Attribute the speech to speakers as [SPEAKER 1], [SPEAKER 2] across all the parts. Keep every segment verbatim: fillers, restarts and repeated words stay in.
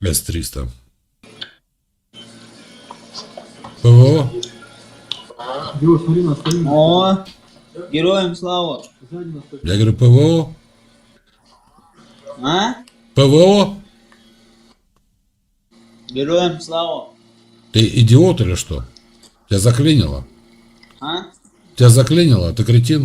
[SPEAKER 1] эс триста. ПВО?
[SPEAKER 2] О, героям слава.
[SPEAKER 1] Я говорю, ПВО?
[SPEAKER 2] А?
[SPEAKER 1] ПВО?
[SPEAKER 2] Героям слава.
[SPEAKER 1] Ты идиот или что? Тебя заклинило?
[SPEAKER 2] А?
[SPEAKER 1] Тебя заклинило? Ты кретин?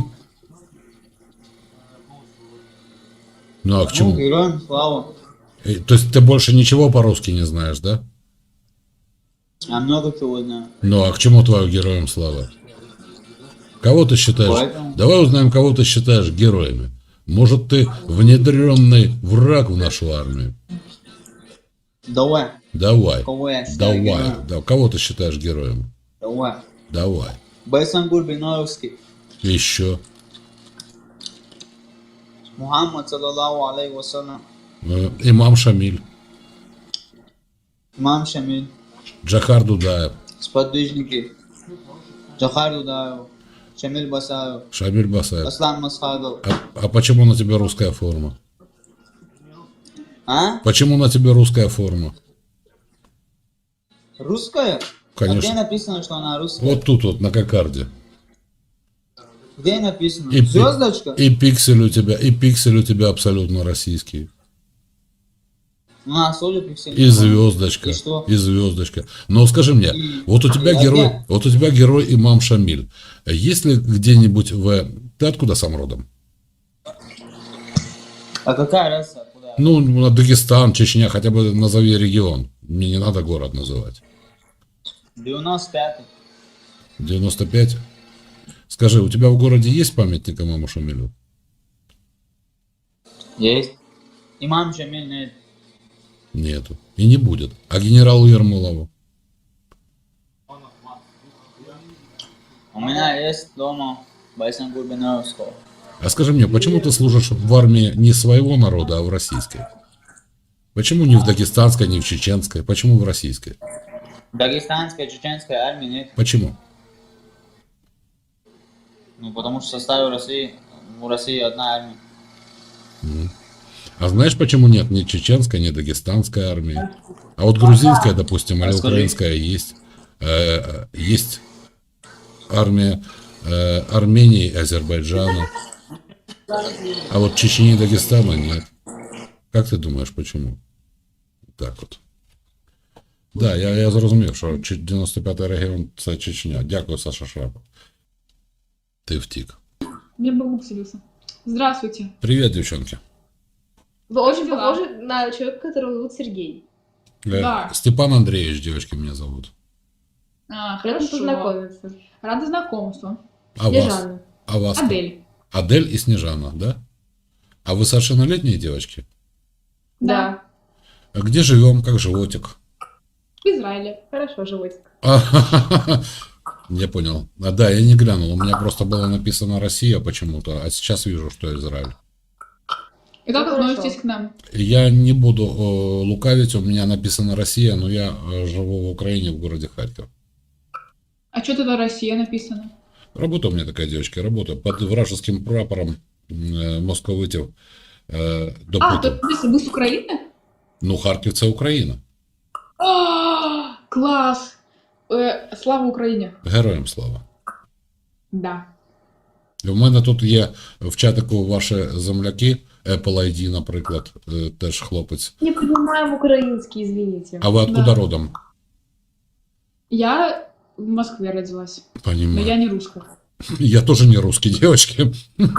[SPEAKER 1] Ну а к
[SPEAKER 2] Ну,
[SPEAKER 1] чему?
[SPEAKER 2] героям слава.
[SPEAKER 1] Э, То есть ты больше ничего по-русски не знаешь, да?
[SPEAKER 2] Я много чего знаю.
[SPEAKER 1] Ну а к чему твое героям слава? Кого ты считаешь?
[SPEAKER 2] Поэтому-
[SPEAKER 1] Давай узнаем, кого ты считаешь героями. Может, ты внедренный враг в нашу армию?
[SPEAKER 2] Давай.
[SPEAKER 1] Давай.
[SPEAKER 2] Кого я считаю
[SPEAKER 1] Давай.
[SPEAKER 2] героем?
[SPEAKER 1] Да, кого ты считаешь героем?
[SPEAKER 2] Давай.
[SPEAKER 1] Давай.
[SPEAKER 2] Байсангур Бинаровский.
[SPEAKER 1] Еще.
[SPEAKER 2] Мухаммад, саллаллаху алейхи вассалям.
[SPEAKER 1] Э, Имам Шамиль.
[SPEAKER 2] Имам Шамиль.
[SPEAKER 1] Джахар Дудаев.
[SPEAKER 2] Сподвижники. Джахар Дудаев. Шамиль Басаев.
[SPEAKER 1] Шамиль Басаев.
[SPEAKER 2] Аслан Масхадов.
[SPEAKER 1] А, а почему на тебе русская форма?
[SPEAKER 2] А?
[SPEAKER 1] Почему на тебе русская форма?
[SPEAKER 2] Русская?
[SPEAKER 1] Конечно.
[SPEAKER 2] А где написано, что она русская?
[SPEAKER 1] Вот тут вот, на кокарде.
[SPEAKER 2] Где написано?
[SPEAKER 1] И, пи-
[SPEAKER 2] Звездочка?
[SPEAKER 1] и пиксель у тебя, и пиксель у тебя абсолютно российский.
[SPEAKER 2] А, соль пиксель.
[SPEAKER 1] И звездочка.
[SPEAKER 2] И что?
[SPEAKER 1] И звездочка. Но скажи мне,
[SPEAKER 2] И-
[SPEAKER 1] вот у тебя
[SPEAKER 2] и
[SPEAKER 1] герой,
[SPEAKER 2] опять?
[SPEAKER 1] вот у тебя герой Имам Шамиль. Есть ли где-нибудь в... Ты откуда сам родом?
[SPEAKER 2] А какая разница? Куда?
[SPEAKER 1] Ну, Дагестан, Чечня, хотя бы назови регион. Мне не надо город называть.
[SPEAKER 2] девяносто пятый.
[SPEAKER 1] девяносто пять. Скажи, у тебя в городе есть памятник Имаму Шамилю?
[SPEAKER 2] Есть. Имам Шамиль нет.
[SPEAKER 1] Нету. И не будет. А генералу Ермолову?
[SPEAKER 2] У меня есть дома Байсангур Бинаровского.
[SPEAKER 1] А скажи мне, почему ты служишь в армии не своего народа, а в российской? Почему не в дагестанской, не в чеченской? Почему в российской?
[SPEAKER 2] Дагестанской, чеченской армии нет.
[SPEAKER 1] Почему?
[SPEAKER 2] Ну, потому что в составе России, у России одна армия.
[SPEAKER 1] А знаешь, почему нет ни чеченской, ни дагестанской армии? А вот грузинская, допустим, или
[SPEAKER 2] Расскажи.
[SPEAKER 1] украинская есть. Э, есть армия э, Армении и Азербайджана. А вот Чечни и Дагестана нет. Как ты думаешь, почему? Так вот. Да, я, я зрозумів, що Чи- дев'яносто п'ятий регіон – це Чечня. Дякую, Саша Шрапов. Ты втік.
[SPEAKER 3] Мне бабук селился. Здравствуйте.
[SPEAKER 1] Привет, девчонки.
[SPEAKER 4] Вы очень
[SPEAKER 3] дела?
[SPEAKER 4] похожи на человека, которого зовут Сергей.
[SPEAKER 1] Э,
[SPEAKER 3] Да.
[SPEAKER 1] Степан Андреевич, девочки, меня зовут.
[SPEAKER 3] А,
[SPEAKER 4] Приятно
[SPEAKER 3] хорошо.
[SPEAKER 4] познакомиться.
[SPEAKER 3] Рада знакомству.
[SPEAKER 1] А вас?
[SPEAKER 4] Снежана.
[SPEAKER 1] А вас?
[SPEAKER 3] Адель.
[SPEAKER 1] Адель и Снежана, да? А вы совершеннолетние девочки?
[SPEAKER 4] Да.
[SPEAKER 1] А где живем? Как животик?
[SPEAKER 3] В Израиле.
[SPEAKER 4] Хорошо, животик.
[SPEAKER 1] А, Я понял. А, да, я не глянул. У меня просто было написано Россия почему-то, а сейчас вижу, что Израиль.
[SPEAKER 3] И как
[SPEAKER 4] Ну,
[SPEAKER 3] относитесь
[SPEAKER 4] хорошо.
[SPEAKER 3] к нам?
[SPEAKER 1] Я не буду э, лукавить, у меня написано Россия, но я э, живу в Украине, в городе Харьков.
[SPEAKER 3] А что тут Россия написано?
[SPEAKER 1] Работа у меня такая, девочки, работа. Под вражеским прапором э, московитів э,
[SPEAKER 3] А,
[SPEAKER 1] допитив.
[SPEAKER 3] то вы вы с Украины?
[SPEAKER 1] Ну, Харків це Україна.
[SPEAKER 3] А, класс! Э, слава Украине.
[SPEAKER 1] Героям слава.
[SPEAKER 3] Да.
[SPEAKER 1] У мене тут є в чатику ваші земляки, Apple ай ді, наприклад, е, теж хлопець.
[SPEAKER 4] Не понимаем украинский, извините.
[SPEAKER 1] А ви откуда
[SPEAKER 3] Да.
[SPEAKER 1] родом?
[SPEAKER 3] Я в Москве родилась, но
[SPEAKER 1] Понимаю.
[SPEAKER 3] я не русская.
[SPEAKER 1] Я тоже не русский, девочки.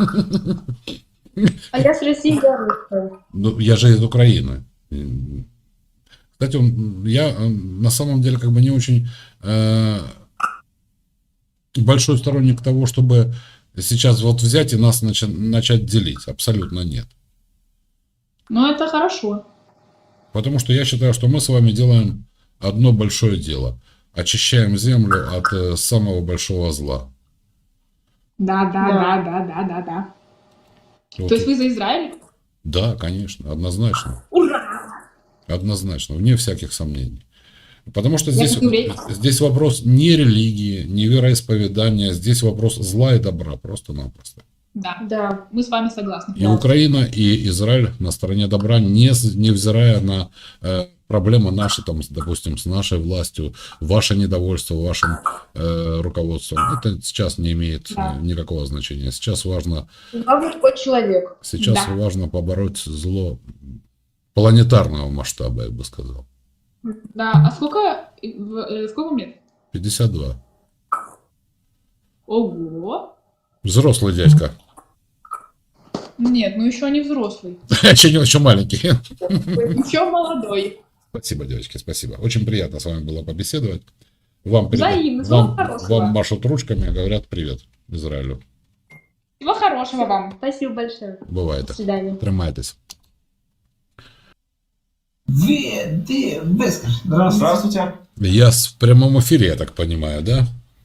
[SPEAKER 4] А я с России, я русская.
[SPEAKER 1] Ну, я же из Украины. М. Кстати, он- я э, на самом деле как бы не очень э, большой сторонник того, чтобы сейчас вот взять и нас нача- начать делить. Абсолютно нет.
[SPEAKER 3] Но это хорошо.
[SPEAKER 1] Потому что я считаю, что мы с вами делаем одно большое дело. Очищаем землю от э, самого большого зла.
[SPEAKER 3] Да, да,
[SPEAKER 4] Да.
[SPEAKER 3] да, да, да, да, да.
[SPEAKER 1] Вот.
[SPEAKER 3] То есть вы за Израиль?
[SPEAKER 1] Да, конечно, однозначно.
[SPEAKER 3] Ура!
[SPEAKER 1] Однозначно, вне всяких сомнений. Потому что
[SPEAKER 3] Я
[SPEAKER 1] здесь,
[SPEAKER 3] как еврей.
[SPEAKER 1] здесь вопрос не религии, не вероисповедания, здесь вопрос зла и добра, просто-напросто.
[SPEAKER 3] Да.
[SPEAKER 4] Да.
[SPEAKER 3] Мы с вами согласны.
[SPEAKER 1] И Украина, и Израиль на стороне добра, не, с- невзирая на э, проблемы наши, там, с- допустим, с нашей властью, ваше недовольство вашим э, руководством. Это сейчас не имеет
[SPEAKER 3] Да.
[SPEAKER 1] э, никакого значения. Сейчас важно,
[SPEAKER 4] Главное, хоть человек.
[SPEAKER 1] сейчас
[SPEAKER 3] Да.
[SPEAKER 1] важно побороть зло планетарного масштаба, я бы сказал.
[SPEAKER 3] Да. А сколько, э, в- э, сколько вам лет?
[SPEAKER 1] пятьдесят два.
[SPEAKER 3] Ого.
[SPEAKER 1] Взрослый дядька.
[SPEAKER 3] Нет, ну еще не взрослый.
[SPEAKER 1] Еще не очень маленький.
[SPEAKER 3] Еще молодой.
[SPEAKER 1] Спасибо, девочки, спасибо. Очень приятно с вами было побеседовать. Вам, переда-
[SPEAKER 3] Взаимно. Всего
[SPEAKER 1] вам,
[SPEAKER 3] хорошего.
[SPEAKER 1] вам машут ручками, говорят привет Израилю.
[SPEAKER 3] Всего хорошего вам.
[SPEAKER 4] Спасибо большое.
[SPEAKER 1] Буває
[SPEAKER 4] До
[SPEAKER 1] так.
[SPEAKER 4] свидания.
[SPEAKER 1] Тримайтесь.
[SPEAKER 5] Вы, ты, Бескар. Здравствуйте.
[SPEAKER 6] Здравствуйте.
[SPEAKER 1] Я с- в прямом эфире, я так понимаю, да?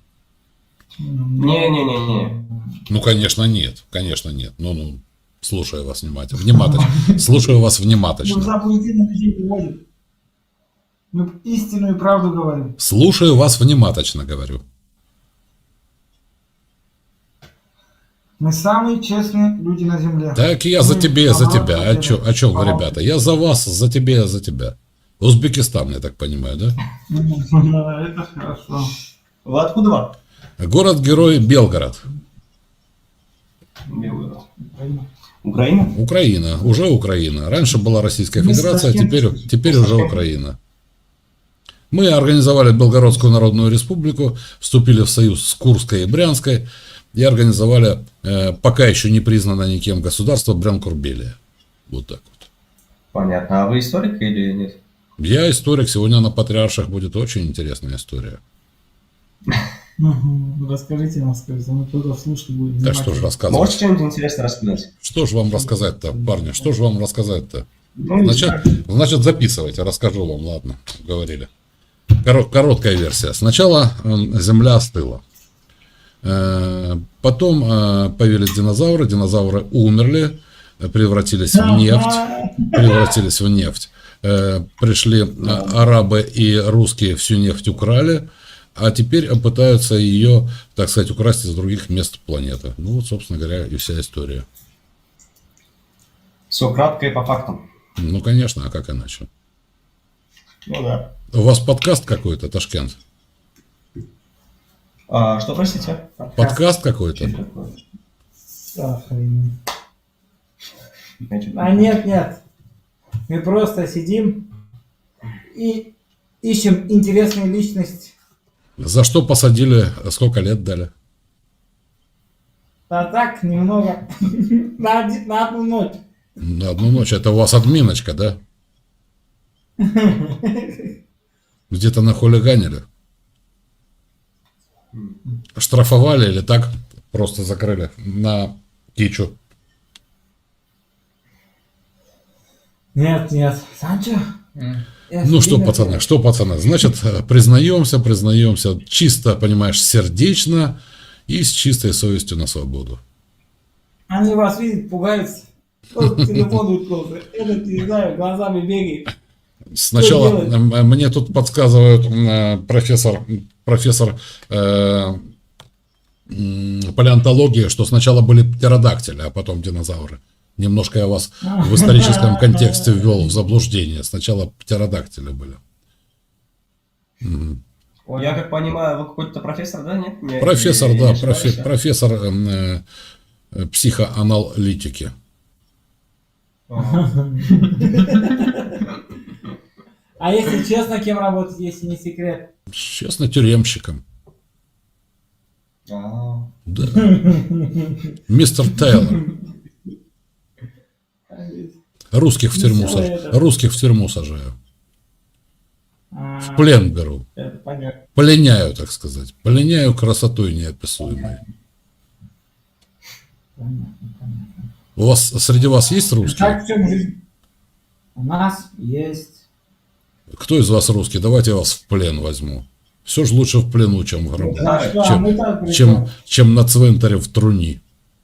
[SPEAKER 6] Не-не-не-не.
[SPEAKER 1] Ну, конечно, нет. Конечно, нет. Ну, ну, слушаю вас внимательно. Внимательно. Слушаю вас
[SPEAKER 5] Мы
[SPEAKER 1] внимательно.
[SPEAKER 5] заблудительно людей выводим. Мы истинную правду говорим.
[SPEAKER 1] Слушаю вас внимательно, говорю.
[SPEAKER 5] Мы самые честные люди на земле.
[SPEAKER 1] Так я за
[SPEAKER 5] Мы
[SPEAKER 1] тебя, за
[SPEAKER 5] наоборот
[SPEAKER 1] тебя. О
[SPEAKER 5] хотели.
[SPEAKER 1] чё, о чём вы,
[SPEAKER 5] Ага.
[SPEAKER 1] ребята? Я за вас, за тебя, за тебя. Узбекистан, я так понимаю, да?
[SPEAKER 5] Это хорошо.
[SPEAKER 6] Вы откуда вам?
[SPEAKER 1] Город-герой Белгород.
[SPEAKER 6] Белгород. Украина?
[SPEAKER 1] Украина. Уже Украина. Раньше была Российская
[SPEAKER 5] Мы с
[SPEAKER 1] Федерация,
[SPEAKER 5] Ташкента.
[SPEAKER 1] теперь, теперь уже Украина. Мы организовали Белгородскую Народную Республику, вступили в союз с Курской и Брянской и организовали э, пока еще не признанное никем государство Брянкурбелия. Вот так вот.
[SPEAKER 6] Понятно. А вы историк или нет?
[SPEAKER 1] Я историк, сегодня на Патриарших будет очень интересная история.
[SPEAKER 5] Мгм. Расскажите нам, скажите, мы только слушать будем.
[SPEAKER 1] Так что же
[SPEAKER 6] Можете
[SPEAKER 1] рассказывать?
[SPEAKER 6] что-нибудь интересное рассказать?
[SPEAKER 1] Что же вам рассказать-то, парни? Что же вам рассказать-то?
[SPEAKER 6] Ну, не
[SPEAKER 1] Значит,
[SPEAKER 6] знаю.
[SPEAKER 1] значит, записывайте, расскажу вам, ладно, говорили. Коро- Короткая версия. Сначала э, Земля остыла. Э, Потом э, появились динозавры, динозавры умерли, э, превратились в нефть, превратились в нефть. Э, Пришли э, арабы и русские, всю нефть украли, а теперь пытаются ее, так сказать, украсть из других мест планеты. Ну вот, собственно говоря, и вся история.
[SPEAKER 6] Все кратко и по фактам.
[SPEAKER 1] Ну, конечно, а как иначе?
[SPEAKER 6] Ну да.
[SPEAKER 1] У вас подкаст какой-то, Ташкент?
[SPEAKER 6] А, что, простите?
[SPEAKER 1] Подкаст какой-то?
[SPEAKER 6] Что такое?
[SPEAKER 5] Охренеть.
[SPEAKER 6] Значит,
[SPEAKER 5] А нет, нет. Мы просто сидим и ищем интересную личность.
[SPEAKER 1] За что посадили, сколько лет дали?
[SPEAKER 5] А так, немного. На, один- на одну ночь.
[SPEAKER 1] На одну ночь. Это у вас админочка, да? Где-то нахулиганили? Штрафовали или так просто закрыли на кичу?
[SPEAKER 5] Нет, нет. Санчо? я
[SPEAKER 1] Ну что,
[SPEAKER 5] сильно-
[SPEAKER 1] пацаны, что, пацаны? Значит, признаемся, признаемся чисто, понимаешь, сердечно и с чистой совестью на свободу.
[SPEAKER 5] Они вас видят, пугаются. Тот телефон уткнулся. Этот, не знаю, глазами бегает.
[SPEAKER 1] Сначала
[SPEAKER 5] Что делать?
[SPEAKER 1] м, мне тут подсказывают м, профессор, профессор э, м, палеонтологии, что сначала были птеродактили, а потом динозавры. Немножко я вас в историческом контексте ввел в заблуждение. Сначала птеродактили были. Мгм.
[SPEAKER 6] Я как понимаю, вы какой-то профессор, да? Нет? Не-
[SPEAKER 1] Профессор,
[SPEAKER 6] не- не
[SPEAKER 1] да,
[SPEAKER 6] ошибаюсь,
[SPEAKER 1] профи-
[SPEAKER 6] а?
[SPEAKER 1] профессор м, э, э, психоаналитики.
[SPEAKER 6] Ага.
[SPEAKER 5] А если честно, кем работать, если не секрет?
[SPEAKER 1] Честно, тюремщиком.
[SPEAKER 6] А,
[SPEAKER 1] Да. Мистер Тейлор. Русских в тюрьму
[SPEAKER 5] Веселое
[SPEAKER 1] сажаю.
[SPEAKER 5] это.
[SPEAKER 1] Русских в тюрьму сажаю.
[SPEAKER 5] А,
[SPEAKER 1] В плен беру.
[SPEAKER 5] это понятно.
[SPEAKER 1] Пленяю, так сказать. Пленяю красотой неописуемой.
[SPEAKER 5] Понятно, понятно.
[SPEAKER 1] У вас, среди вас есть русские?
[SPEAKER 5] Как в чем жизнь? У нас есть.
[SPEAKER 1] Кто из вас русский? Давайте я вас в плен возьму. Все же лучше в плену, чем в гробу.
[SPEAKER 5] А что, а
[SPEAKER 1] Чем,
[SPEAKER 5] мы так при
[SPEAKER 1] чем,
[SPEAKER 5] чем?
[SPEAKER 1] чем на цвинтаре в труни.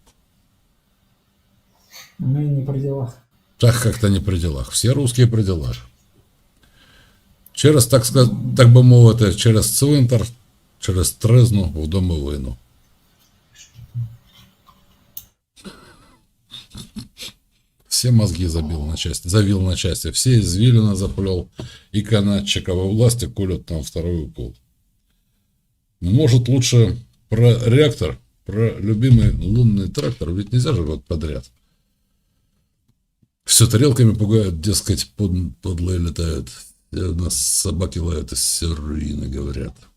[SPEAKER 5] Мы не при делах.
[SPEAKER 1] Так как-то не при делах. Все русские при делах. Через, так сказать, так би мовити, через цвинтар, через тризну в домовину. Все мозги забил на части, завил на части, все извилина заплел, и канатчика во власти колют там второй укол. Может, лучше про реактор, про любимый лунный трактор, ведь нельзя же год подряд. Все тарелками пугают, дескать, под, подлые летают. У нас собаки лают, и все руины говорят.